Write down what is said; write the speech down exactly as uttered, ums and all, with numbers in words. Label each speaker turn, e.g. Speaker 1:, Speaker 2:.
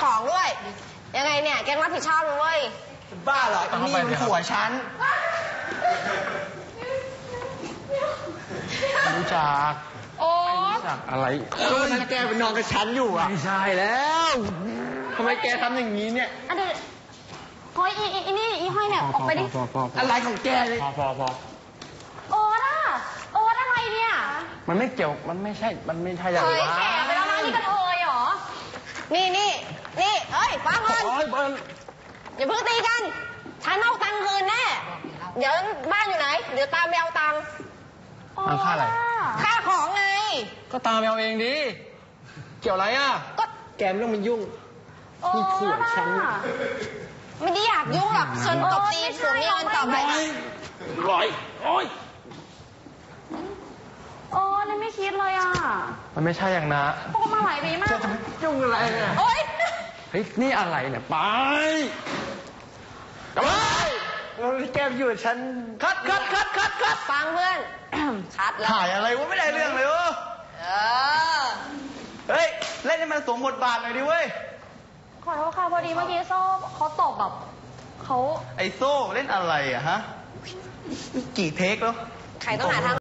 Speaker 1: ของด้วย ยังไงเนี่ยแกรับผิดชอบเลยเว้ย
Speaker 2: บ้าเหรอไอ้นี่มันผัวฉัน
Speaker 3: รู้จัก
Speaker 1: โอ๊ต
Speaker 3: จากอะไร
Speaker 2: ก็มันแกไปนอนกับฉันอยู่อ่ะ
Speaker 3: ไม่ใช่แล้วทำไมแกทำอย่างนี้เนี่ย
Speaker 1: อันเดี๋ยวเฮ้ยอีอีนี่อีห้อยเนี่ยออกไปดิ
Speaker 2: อะไรของแกเลย
Speaker 3: พอพอพอ
Speaker 1: โอ๊ตอะโอ๊ตอะไรเนี่ย
Speaker 3: มันไม่เกี่ยวมันไม่ใช่มันไม่ใช่อย่าง
Speaker 1: นั้นเฮ้ยแก่ไปแล้วนะนี่กระเทยเหรอนี่นี่นี่เอ้ยฟังก่อนอย่าเพิ่งตีกันฉันเอาตังค์คืนแน่เดี๋ยวบ้านอยู่ไหนเดี๋ยวตามไปเอาตังค์
Speaker 3: ตังค่าอะไร
Speaker 1: ค่าของไง
Speaker 3: ก็ตามไปเอาเองดิเกี่ยวอะไรอ่ะ
Speaker 1: ก็
Speaker 2: แกไม่ต้องมายุ่งนี่ผัวฉัน
Speaker 1: ไม่ได้อยากยุ่งหรอกส่วนตบตีส่วนนี้มันต่อไป
Speaker 3: ร้อยโอ้ย
Speaker 1: โอ้นี่ไม่คิดเลยอ่ะ
Speaker 3: มันไม่ใช่อย่างนะ
Speaker 1: พวกมาหลายปีมาก
Speaker 2: ยุ่งอะไรเนี่ย
Speaker 1: โอ๊ย
Speaker 3: เฮ้ยนี่อะไรเนี่ยไป
Speaker 2: กลับไปเราแกอยู่ฉันคัดคัดคัดคัดคัด
Speaker 1: ฟังเพื่อนคัดแล้ว
Speaker 2: ถ่ายอะไรวะไม่ได้เรื่องเลยวะ
Speaker 1: เออ
Speaker 2: เฮ้ยเล่นให้มันสมบทบาทหน่อยดิเว้ย
Speaker 1: ขอโทษค่ะพอดีเมื่อกี้โซ่เขาตบแบบเขา
Speaker 2: ไอโซ่เล่นอะไรอะฮะกี่เทคแล้ว
Speaker 1: ใครต้องหาทาง